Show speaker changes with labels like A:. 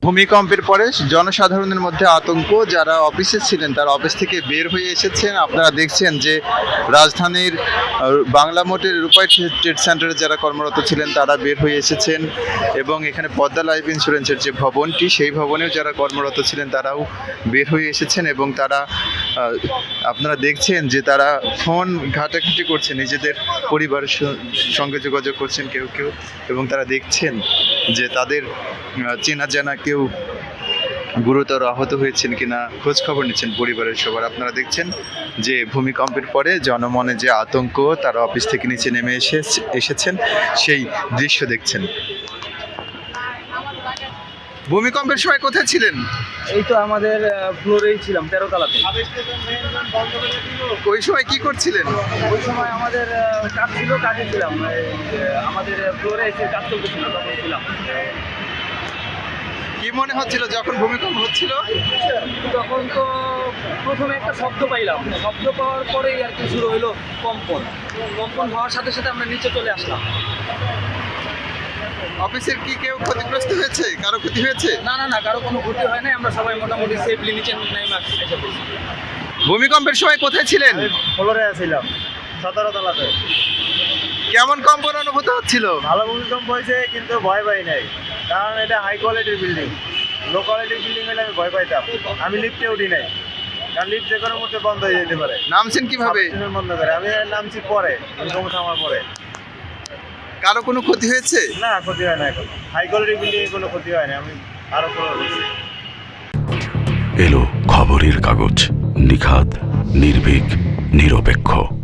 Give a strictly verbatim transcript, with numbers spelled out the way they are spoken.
A: ভূমিকম্পের পরে জনসাধারণের মধ্যে আতঙ্ক, যারা অফিসে ছিলেন তারা অফিস থেকে বের হয়ে এসেছেন। আপনারা দেখছেন যে রাজধানীর বাংলা মোটের রূপাই ট্রেড সেন্টারে যারা কর্মরত ছিলেন তারা বের হয়ে এসেছেন এবং এখানে পদ্মা লাইফ ইন্স্যুরেন্সের যে ভবনটি সেই ভবনেও যারা কর্মরত ছিলেন তারাও বের হয়ে এসেছেন এবং তারা আপনারা দেখছেন যে তারা ফোন ঘাটাঘাটি করছেন, নিজেদের পরিবারের সঙ্গে যোগাযোগ করছেন কেউ কেউ এবং তারা দেখছেন যে তাদের চেনা জানা কেউ গুরুতর আহত হয়েছেন কিনা খোঁজ খবর নিচ্ছেন পরিবারের সবার। আপনারা দেখছেন যে ভূমিকম্পের পরে জনমনে যে আতঙ্ক, তারা অফিস থেকে নিচে নেমে এসে এসেছেন সেই দৃশ্য দেখছেন। ভূমিকম্পের সময় কোথায় ছিলেন?
B: এই তো আমাদের ফ্লোরেই ছিলাম, তেরো তলাতে।
A: ওই সময় কি করছিলেন?
B: ওই সময় আমাদের কাজ ছিল, কাজে ছিলাম। আমাদের ফ্লোরে এসে কাজ চলতেছিল, তখন ছিলাম।
A: কি মনে হচ্ছিল যখন ভূমিকম্প হচ্ছিল?
B: তখন তো প্রথমে একটা শব্দ পাইলাম, শব্দ পাওয়ার পরেই আর কি শুরু হইলো কম্পন। কম্পন হওয়ার সাথে সাথে আমরা নিচে চলে আসলাম।
A: অফিসের কি কেউ ক্ষতিগ্রস্ত হয়েছে? কারো ক্ষতি হয়েছে?
B: না না না কারো কোনো ক্ষতি হয় নাই, আমরা সবাই মোটামুটি সেফলি নিচে নেমে এসে পড়ছি।
A: ভূমিকম্পের সময় কোথায় ছিলেন?
B: ফ্লোরে ছিলাম, সতেরো তলাতে।
A: কেমন কম্পন অনুভূত হচ্ছিল?
B: ভালো ভূমিকম্প হয়েছে, কিন্তু ভয় পাই নাই, কারণ এটা হাই কোয়ালিটির বিল্ডিং। লো কোয়ালিটির বিল্ডিং হলে আমি ভয় পাইতাম। আমি লিফটে উঠি নাই, কারণ লিফট যে কোনো মুহূর্তে বন্ধ হয়ে যেতে পারে।
A: নামছেন কিভাবে?
B: বন্ধ করে আমি নামছি পরে, ভূমিকম্প থামার পরে।
A: কারো কোনো ক্ষতি হয়েছে?
B: না, ক্ষতি হয় না। এখন হাই কোয়ালিটির বিল্ডিং কোনো ক্ষতি হয় না। আমি আরো
C: এলো খবরের কাগজ, নিখাত, নির্ভীক, নিরপেক্ষ।